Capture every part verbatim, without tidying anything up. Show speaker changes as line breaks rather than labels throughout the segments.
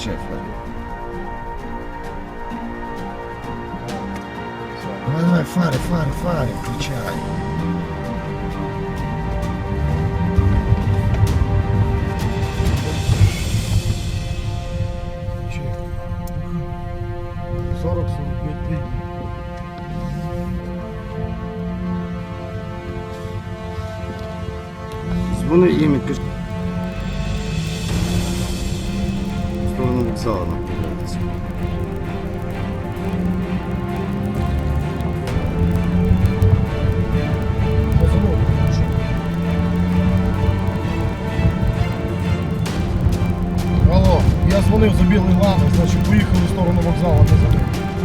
Включай фари. Давай, давай, фари, фари, фари, включай.
сорок сорок пять три.
Дзвони їм і кажи. В сторону вокзалу направляйтесь.
Алло, я дзвонив за білий лани, значить поїхали в сторону вокзалу назад.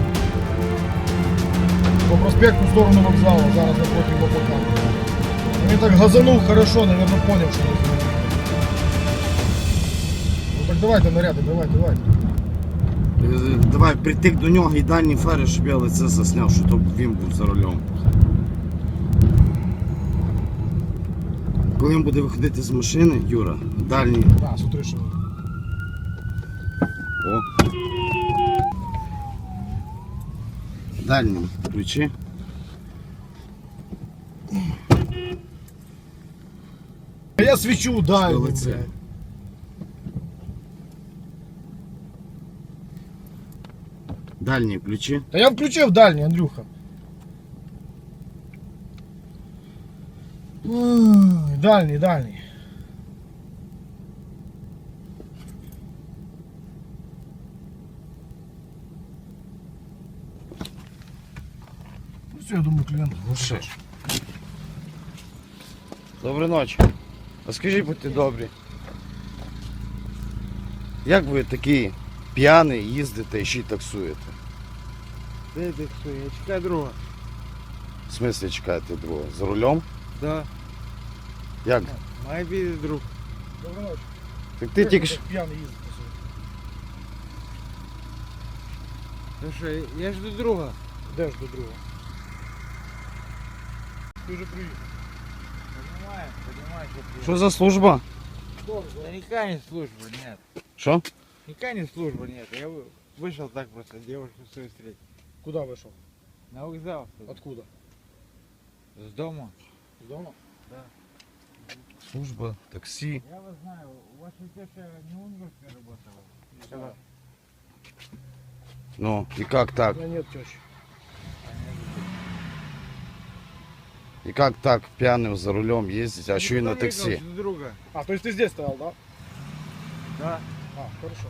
По проспекту в сторону вокзалу, зараз напротив ВПК. Він так газанув хорошо, наверное, понял, що не зробив. Ну так давайте наряди, давай, давай.
Е, Давай притик до нього і дальні фари, щоб я лице засняв, що то він був за рулем. Коли він буде виходити з машини, Юра, дальні.
А, смотри, що.
О. Дальнім ключі.
А я свічу, дай.
Що лице? Дальні ключі.
Та я включив дальній, Андрюха. Ой, дальній, дальній. Ну все, я думаю, клієнт.
Ну що ж. Доброї ночі. А скажіть, будьте добрі. Як ви такий п'яний їздите і ще й таксуєте?
Де таксую? Я чекаю друга.
В смислі чекаєте друга? За рулем?
Да.
Як?
Має бути друг.
Доброї ночі.
Так ти тільки ж...
П'яний їздить.
Ну що, я жду друга.
Де ж до друга? Ти вже приїхав.
Понимаю, понимаю, что ты.
Що за служба?
Да никакая не служба, нет.
Що?
Никакая не служба, нет. Я вы- вышел так просто девушку свою встретить.
Куда вийшов?
На вокзал.
Откуда?
С дома.
З дому?
Служба, таксі.
Я вас знаю. Ваша теща не унгорская работала?
Когда?
Ну, і як так?
У мене нет тещи.
І як так п'яним за рулем їздить, а що і на
Никто не
таксі?
ехал, жду друга.
А, то есть ты здесь стоял, да?
Да.
А, хорошо.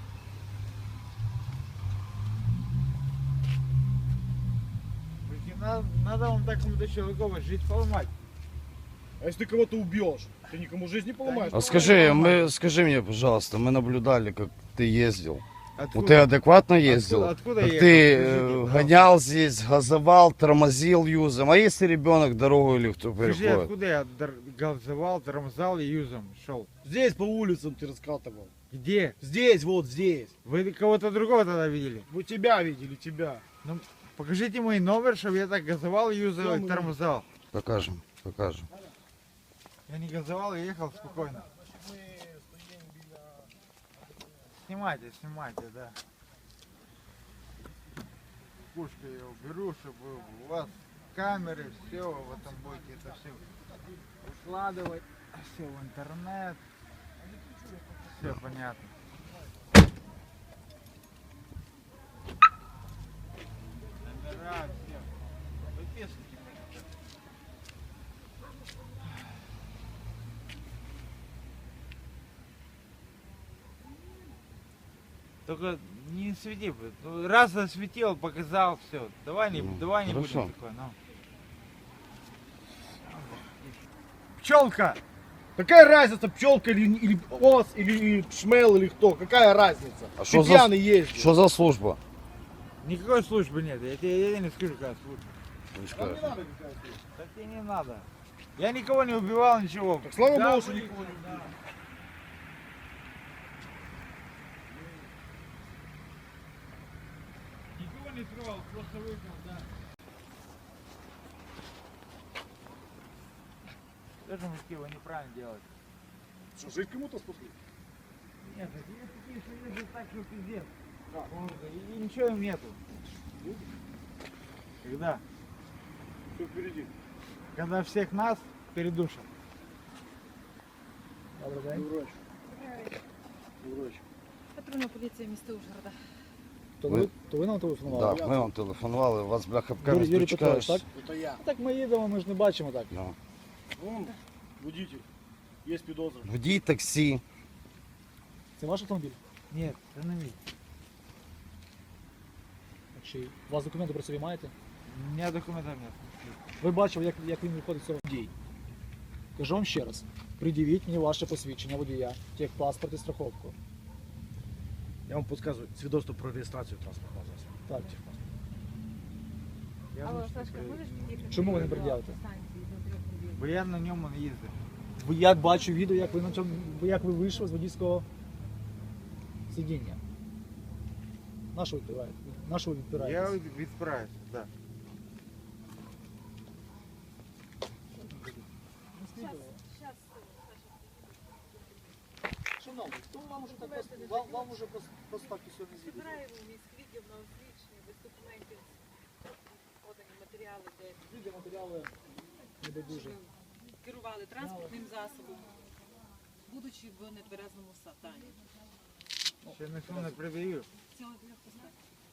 Ведь Надо, надо вам такому-то человеку жить поломать.
А если ты кого-то убьешь, ты никому жизнь не поломаешь?
А скажи, мы, скажи мне, пожалуйста, мы наблюдали, как ты ездил. Ну
Откуда?
ты адекватно ездил?
Откуда, откуда
Так
я
ты
ехал?
э,
Скажите, да.
гонял здесь, газовал, тормозил юзом. А если ребенок дорогу или кто
Скажи,
переходит?
откуда я дор- газовал, тормозал и юзом шел?
Здесь по улицам ты раскатывал.
Где?
Здесь, вот здесь.
Вы кого-то другого тогда видели?
Мы тебя видели, тебя.
Ну, покажите мой номер, чтобы я так газовал, юзал
Что
и
мы-
тормозал.
Покажем, покажем.
Я не газовал, я ехал спокойно. Снимайте, снимайте, да. Пушкой я уберу, чтобы у вас камеры, все, вы там будете это все укладывать, все в интернет. Все понятно. Номера, все. Выписывайте. Только не свети, блин. Ну, раз осветил, показал, все. Давай не,
Ну,
давай не
хорошо.
будем такое, ну. Пчелка!
Какая разница, пчелка или, или ос, или шмел, или кто? Какая разница?
А
Ты
что за-
пьяный ездишь.
Что за служба?
Никакой службы нет. Я тебе, я тебе не скажу, какая служба.
Не
Нам не
скажешь.
надо какая служба.
Так тебе не надо. Я никого не убивал, ничего.
Так слава
Да,
богу, что
вы-
никого не убил.
Никого не трогал, просто выпил, да. Даже мужики, вы неправильно делаете.
Что, жить кому-то спасли?
Нет, такие такие, что ездят так что пиздец. И, и ничего им нету. Когда?
Все впереди.
Когда всех нас передушат.
Добрий день. Добрий вечір.
Патрульна поліція міста Ужгорода.
То
Ви-
ви, то ви нам телефонували?
Так, ми вам телефонували, у вас бляха
Юрій, Юрій
пчкаєш.
Петрович, так?
Это я.
Так ми їдемо, ми ж не бачимо так.
Ну.
Вон, водитель. Есть підозра.
Водій таксі.
Це ваш автомобіль?
Нет, это на миг.
Чи у вас документи про собі маєте?
У меня документов нет.
Ви бачили, як, як він виходить з цього дій. Кажу вам ще раз. Придивіть мені ваше посвідчення водія, техпаспорт і страховку.
Я вам подсказываю. Свідоцтво про реєстрацію транспортного засобу.
Так.
Я
Алло,
можу
Сашка,
сказати,
можеш під'їхати?
Чому ви не
до
пред'явите?
станції до трьох годин?
Бо я на ньому не їздив.
Бо я бачу відео, як ви на цьому, як ви вийшли з водійського сидіння. На що ви відпираєте? На що ви
Я
відпираєтесь?
від- відправився, так. Да.
Щас,
Шановний, то вам уже так
Давайте
просто, вам, вам уже просто, просто так і все не звідти.
Збираємо міськ відділ на освічення, без документів, подані матеріали, де
Відео матеріали не байдуже.
керували транспортним засобом, будучи в нетверезному стані.
Ще ніхто не придаю.
Цього для поставки.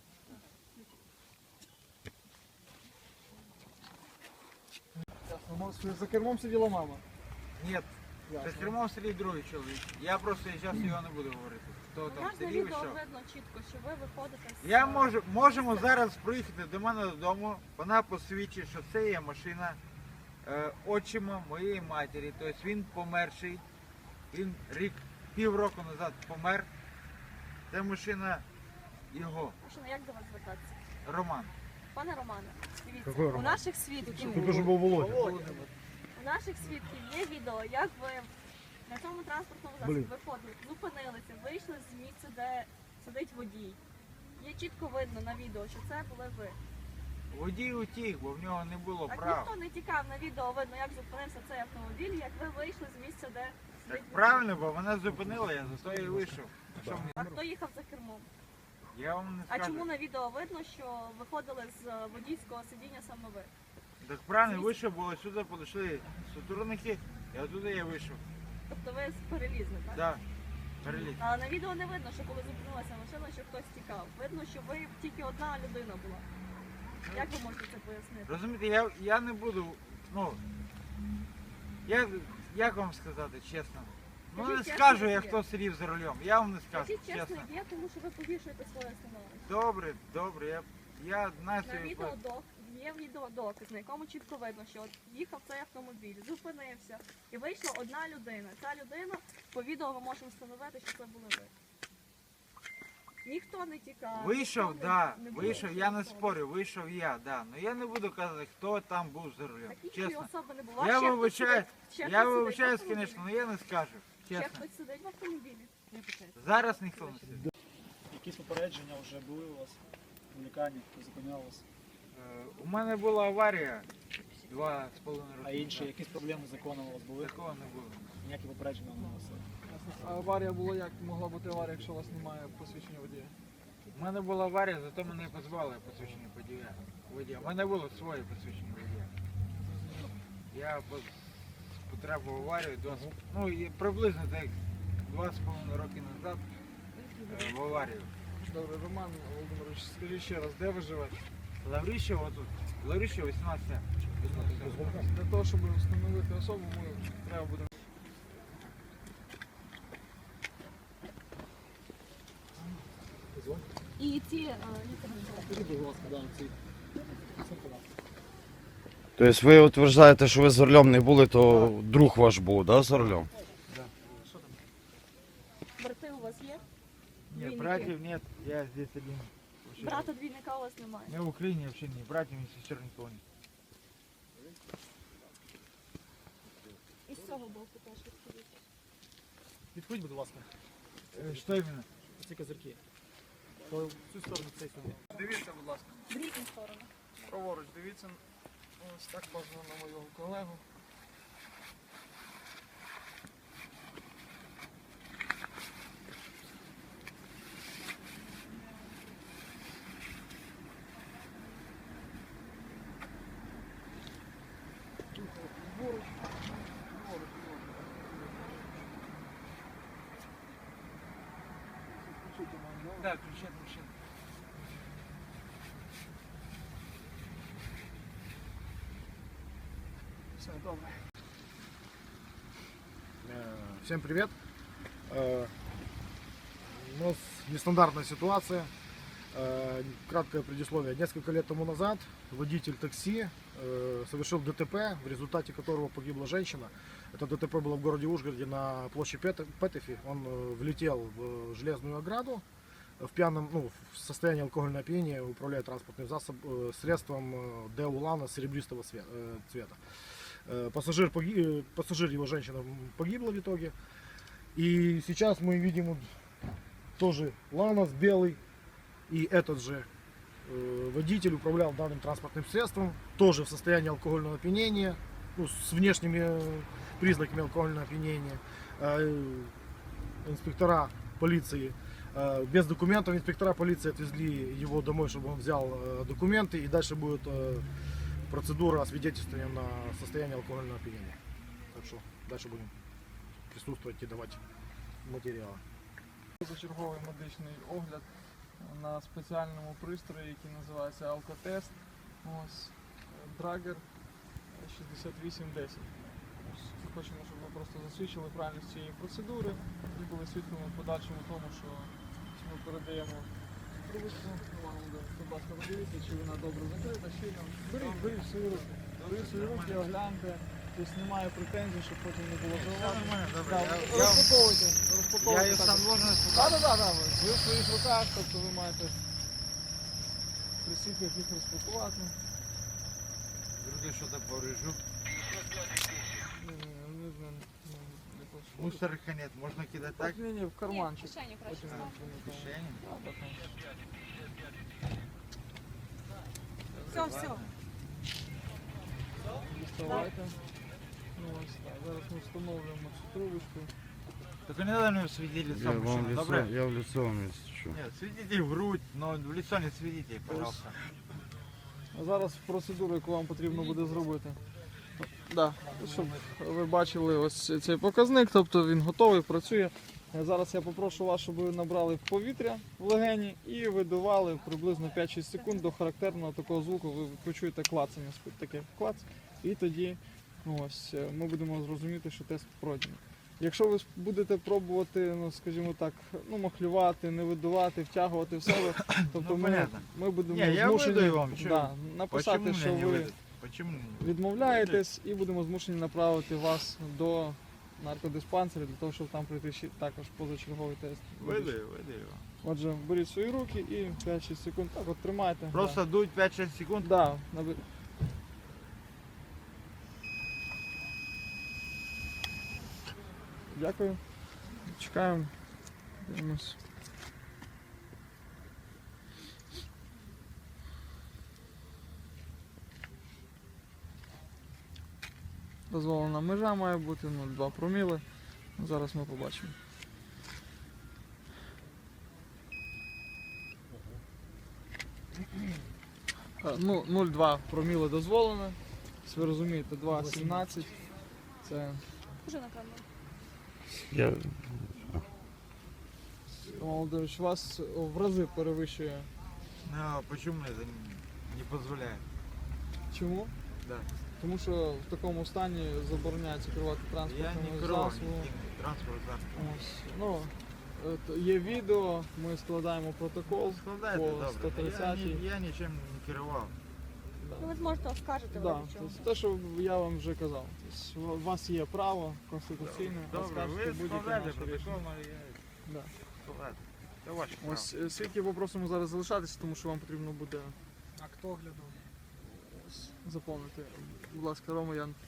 За кермом сиділа мама.
Ні, за кермом сидить другий чоловік. Я просто зараз його не буду говорити. Хто там
У нас на
сидів і
відео
що.
видно чітко, що ви виходите з...
Я можу, можемо зараз приїхати до мене додому, вона посвідчить, що це є машина е, отчима моєї матері. Тобто він померший, він рік, півроку назад помер. Це машина його,
Машина, як до вас звертатися?
Роман.
Пане Романе, дивіться,
Какой
у
Роман?
наших свідків,
Тут уже був Володя.
у наших свідків є відео, як ви на цьому транспортному засобі
Блін.
виходили, зупинилися, вийшли з місця, де сидить водій. Є чітко видно на відео, що це були ви.
Водій утік, бо в нього не було
Так
прав.
ніхто не тікав на відео, видно, як зупинився цей автомобіль, як ви вийшли з місця, де
Так
сидить водій.
правильно, бо вона зупинила, я за то і вийшов. Що мені?
А хто їхав за кермом?
Я вам не
А
скажу.
чому на відео видно, що виходили з е, водійського сидіння саме ви?
Так правильно, вийшов, бо сюди підійшли сотрудники, і оттуда я вийшов.
Тобто ви перелізли, так?
Да, переліз.
Але на відео не видно, що коли зупинилася машина, що хтось тікав. Видно, що ви тільки одна людина була. Як ви можете це пояснити?
Розумієте, я, я не буду, ну, я, як вам сказати, чесно? Ну не
Скажіть чесно,
скажу
як
я,
є.
хто сидів за рулем, я вам не скажу,
Скажіть чесно,
чесно.
як є, тому що ви погіршуєте своє становище.
Добре, добре, я, я знаю, що
На
я
відео док, є відеодоказ, на якому чітко видно, що от їхав цей автомобіль, зупинився і вийшла одна людина. Ця людина, по відео ми можемо встановити, що це були ви. Ніхто не тікав.
Вийшов,
ніхто
да,
не- не було
вийшов, я не
особи.
спорю, вийшов я, да. Ну я не буду казати, хто там був за рулем,
Так іншої
чесно.
особи не було.
Я
Ще хтось
вибачаю,
сидить- ще
я
хтось сидить в
вибачаюсь,
автомобілі?
звісно, але я не скажу,
Ще
чесно.
хтось сидить в автомобілі.
Не питайте.
Зараз ніхто не сидить.
Якісь попередження вже були у вас в лікарні, хто зупиняв вас?
Е, У мене була аварія два з половиною роки.
А інші,
назад.
якісь проблеми з законом у вас були?
Такого не було.
Ніякі попередження не носили?
А аварія була як? Могла бути аварія, якщо у вас немає посвідчення водія?
У мене була аварія, зато мене позвали посвідчення водія. водія. У мене було своє посвідчення водія. Я пос- потрапив в аварію, два, з- ну і приблизно так два з половиною роки назад е, в аварію.
Добре, Роман Володимирович, скажіть ще раз, де ви живете?
Лавріщево тут, Лавріщево вісімнадцять.
Для того, щоб встановити особу, ми треба буде.
І ці е,
Скажіть, будь ласка, да, ці. Це куди?
Тобто ви утверждаєте, що ви за рулем не були, то друг ваш був, да, за рулем?
брати у вас є?
Нет,
Двойники.
братьев нет, я здесь один. Вообще,
Брата двійника у вас немає.
Я в Украине вообще не братьев, ни сестер никого нет.
І з цього боку теж відходить.
Відходь, будь ласка,
Э, Что именно?
ці козирки. То в цю сторону, цей сюди.
Дивіться, будь ласка,
В різні сторони.
праворуч, дивіться. Ось так бажано на мого колегу.
Да, ключи от машины.
Все, добре.
Э, Всем привет. Э, У нас нестандартная ситуация. Э, Краткое предисловие. Несколько лет тому назад водитель такси э, совершил ДТП, в результате которого погибла женщина. Это ДТП было в городе Ужгороде на площади Пет- Петефи. Он э, влетел в железную ограду в пьяном, ну, в состоянии алкогольного опьянения, управляя транспортным засоб, э, средством э, Део Лана серебристого све- э, цвета. Э, Пассажир, поги- э, пассажир, его женщина, погибла в итоге. И сейчас мы видим вот тоже Ланос белый. И этот же э, водитель управлял данным транспортным средством, тоже в состоянии алкогольного опьянения, ну, с внешними э, признаками алкогольного опьянения. Э, инспектора полиции, э, без документов инспектора полиции отвезли его домой, чтобы он взял э, документы, и дальше будет э, процедура освидетельствования на состояние алкогольного опьянения. Так что дальше будем присутствовать и давать материалы.
Позачерговий медичний огляд на спеціальному пристрої, який називається алкотест. Ось Драгер шістдесят вісім десять. Ось хочемо, щоб ви просто засвідчили правильність цієї процедури і були свідками в подальшому тому, що ми передаємо трубочку. Вам буде, будь ласка, подивіться, чи вона добре закрита, щільно. Беріть, беріть свої руки. Беріть свої руки, огляньте. Тобто немає претензій, щоб потім не було зауважень.
Нормально, добре.
Так,
Я- я-
Розпаковуйте,
Я
розпаковуйте.
ее
так.
сам должен
Так,
испытать.
так, так, так. Ви в своїх руках, тобто ви маєте при світлах їх розпакувати.
Вдруг я что-то поврежу.
Ні, ні, не знаю. не хочу.
Мусорка нет, можно кидать так?
Так, ні, ні, в карманчик.
кишеню краще
Потім
став.
ви не знаєте.
Кишени?
Так, так, так.
Все, все.
Діставайте. Ну, ось так. Зараз ми встановлюємо цю трубочку.
Только не надо мне светить лицо мужчины, добре?
я в лицо вам, если что.
Нет, светите в грудь, но в лицо не светите, пожалуйста.
А зараз процедуру, яку вам потрібно буде зробити. Да, щоб ви бачили ось цей показник, тобто він готовий, працює. Е, Зараз я попрошу вас, щоб ви набрали повітря в легені і видували приблизно п'ять-шість секунд до характерного такого звуку. Ви почуєте клацання, таке клац, і тоді ну, ось, е, ми будемо зрозуміти, що тест пройдений. Якщо ви будете пробувати, ну скажімо так, ну махлювати, не видувати, втягувати в себе, тобто
Ну,
ми,
понятно.
ми будемо
Ні, я
змушені
видаю вам, що-
да, написати,
Почему
що
меня не
ви
выйдет? Почему мне не выйдет?
відмовляєтесь і будемо змушені направити вас до наркодиспансеру для того, щоб там пройти ще також позачерговий тест.
Выдаю, выдаю.
Отже, беріть свої руки і п'ять-шість секунд. Так от тримайте.
Просто дуть пять-шесть секунд.
Да. Да, наби- Дякую. Чекаємо. Дивимось. Дозволена межа має бути нуль цілих два проміли. Зараз ми побачимо. Е, Ну, нуль цілих два проміли дозволено. Ось ви розумієте, два цілих сімнадцять. Це
Уже на камеру.
Я...
Володимирович, вас в рази перевищує.
Но почему мне это не- не позволяет?
Чому?
Да.
Тому що в такому стані забороняється керувати
Я
транспортним
не крою
засобом.
транспорт засоб.
Ось, ну, е, то є відео, ми складаємо протокол.
Складайте,
По
добре.
сто
Я,
тридцятій.
ні- я нічим не керував.
Ну, ви зможете оскаржити
Да,
в чому.
це те, що я вам вже казав. Тобто, у вас є право конституційне
Добре,
оскаржити
ви
будь-яке
складайте
наше
протокол,
рішення.
але я
Да.
складайте. Це ваше право.
Ось е, свідки попросимо зараз залишатися, тому що вам потрібно буде
Акт огляду.
заповнити. Будь ласка, Рома Ян.